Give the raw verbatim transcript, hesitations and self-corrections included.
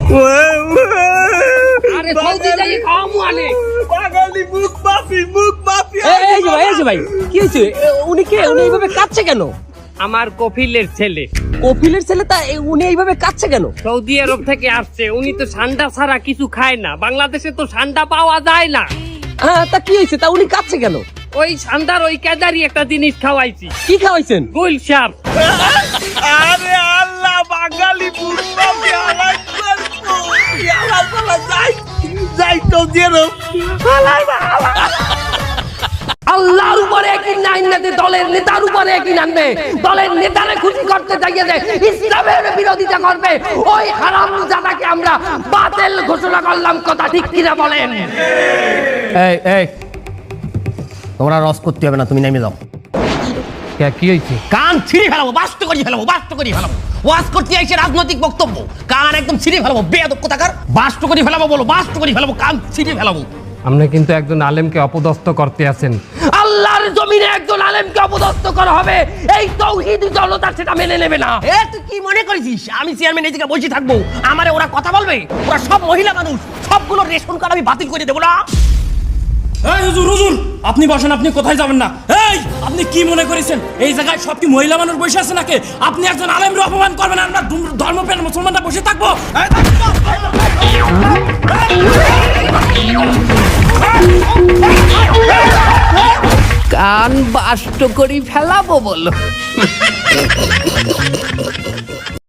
আরে সৌদি যাই খাওয়ামু আনে বাঙালি মুখ মাফি মুখ মাফি। এই যে ভাই এই যে ভাই কি হয়েছে? উনি কে? উনি এইভাবে কাঁদছে কেন? আমার কফিলের ছেলে কপিলের ছেলে তা উনি এইভাবে কাঁদছে কেন? সৌদি আরব থেকে আসছে, উনি তো ঠান্ডা ছাড়া কিছু খায় না, বাংলাদেশে তো ঠান্ডা পাওয়া যায় না। হ্যাঁ তা কি হয়েছে? তা উনি কাঁদছে কেন? ওই ঠান্ডার ওই কেদারি একটা জিনিস খাওয়াইছি, কি খাওয়াইছেন? গুল সাপ। আরে আল্লাহ বাঙালি মুখ মাফি আলাই করবো। আল্লাহ আল্লাহ যাই যাই তো জেরো আলাই আল্লাহ। আল্লাহর উপরে একই নাইনাতে দলের নেতার উপরে একই নামবে, দলের নেতারে খুশি করতে চাইয়ে দেয়, ইসলামের বিরোধিতা করবে, ওই হারামজাদাকে আমরা বাতিল ঘোষণা করলাম। কথা ঠিক কিনা বলেন? এই এই তোমরা রস করতে হবে না, তুমি নেমে যাও। কি হয়েছে? কান ছিঁড়ে ফেলাবো, বাস্ত করে ফেলাবো, বাস্ত করে ফেলাবো। ওয়াজ করতে আইছে রাজনৈতিক বক্তব্য, কান একদম ছিঁড়ে ফেলাবো। বেয়াদব কোথাকার, বাস্ত করে ফেলাবো বলো, বাস্ত করে ফেলাবো, কান ছিঁড়ে ফেলাবো। আপনি কিন্তু একজন আলেমকে অপদস্থ করতে আছেন। আল্লাহর জমিনে একজন আলেমকে অপদস্থ করা হবে, এই তাওহীদি জনতা সেটা মেনে নেবে না। এ তুই কি মনে করেছিস আমি চেয়ারম্যান এই জায়গায় বসে থাকবো? আমারে ওরা কথা বলবে? ওরা সব মহিলা মানুষ, সবগুলো রেশন কার্ড আমি বাতিল করে দেবো না। এই হুজুর হুজুর আপনি বসেন, আপনি কোথায় যাবেন না? এই আপনি কি মনে করেছেন এই জায়গায় সব কি মহিলা মানুষ বসে আছে নাকি? আপনি একজন আলেমকে অপমান করবেন, আমরা ধর্মপ্রাণ মুসলমানরা বসে থাকবো? কান বাষ্ট করি ফেলাবো বলো।